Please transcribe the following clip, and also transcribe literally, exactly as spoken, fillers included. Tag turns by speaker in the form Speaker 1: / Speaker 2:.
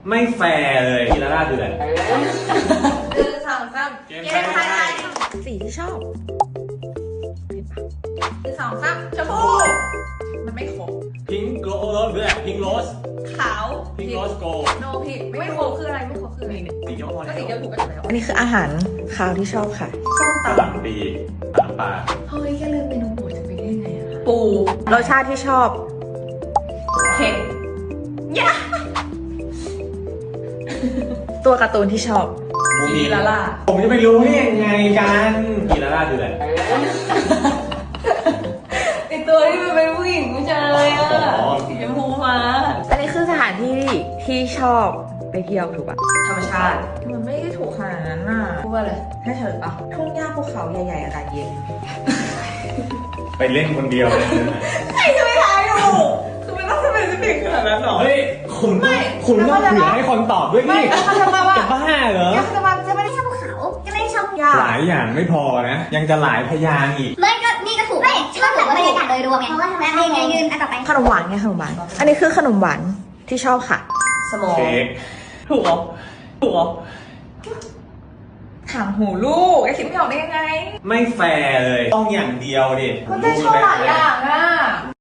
Speaker 1: ไม่แฟร์เลยทีละล่าเดือน
Speaker 2: หนึ่งสองสามเกมไทยไทย
Speaker 3: สีที่ชอบ
Speaker 2: หนึ่งสองสามชมพูมันไม่ครบ
Speaker 1: พิงโกโรสด้วยพิงโรส
Speaker 2: ขาว
Speaker 1: พิงโรสโก
Speaker 2: โนผิดไม่ครบคืออะไรไม่ครบคืออะไร
Speaker 1: สีเขียวพอ
Speaker 2: ก็
Speaker 1: แล้ว
Speaker 2: สีเดียวถูกกันแล้ว
Speaker 3: อันนี้คืออาหารคาวที่ชอบค่ะ
Speaker 2: ส้ม
Speaker 1: กระ
Speaker 2: ตำ
Speaker 1: หล่ำปีน้ำปลา
Speaker 2: เฮ้ยแค่ลืมเมนูโปรดจะไปได้ยังไงอะ
Speaker 3: ปู รสชาติที่ชอบ
Speaker 2: เผ็ดยะ
Speaker 3: ตัวการ์ตูนที่ชอบ
Speaker 1: บู
Speaker 2: กีลาล่า
Speaker 1: ผมจะไม่รู้ได้ยังไงกันกีละล่าเดือน
Speaker 2: ไอตัวที่มันเป็นผู้หญิงผู้ชายอะสีชมพูมา
Speaker 3: อันนี้คือสถานที่ที่ชอบไปเที่ยวถูกปะ
Speaker 2: ธรรมชาติมันไม่ได้ถูกขนาดนั้นน่ะพูดว่าอะไรให้เฉลยปะ
Speaker 3: ทุ่งหญ้าภูเขาใหญ่ๆอากาศเย็น
Speaker 1: ไปเล่นคนเดียวเลยนะ
Speaker 2: ใครจะไปทายถูกคือมันต้องสเปซิฟิกขนาดนั้นหรอ
Speaker 1: เฮ้ยคุณต้องคุณต้องเผื่อให้คนตอบด้วย
Speaker 2: ไม่
Speaker 1: นี่
Speaker 2: แล้วเขาจะมาว่า
Speaker 1: จะบ้าเหรอ
Speaker 2: เขาจะมาจะไม่ได้ชอบเขาจะไม่ได้ชอบยา
Speaker 1: หลายอย่างไม่พอนะ ยังจะหลายพยางค์อีก
Speaker 4: ไม่ก็นี่ก็ถูกไม่ชอบแบบบรรยากาศโดยรวมไงเพราะว่าทำไมไม่ไงยืนอันต่อไป
Speaker 3: ขนมหวานไงขนมหวาน อันนี้คือขนมหวานที่ชอบค่ะ
Speaker 2: สมอง
Speaker 1: เค้ก
Speaker 2: ถูกเหรอถูกเหรอถามหูลูกไอ้คิดไม่ออกได้ยังไง
Speaker 1: ไม่แฟร์เลย ต้องอย่างเดียวดิ
Speaker 2: มันได้ชอบหลายอย่างอ่ะ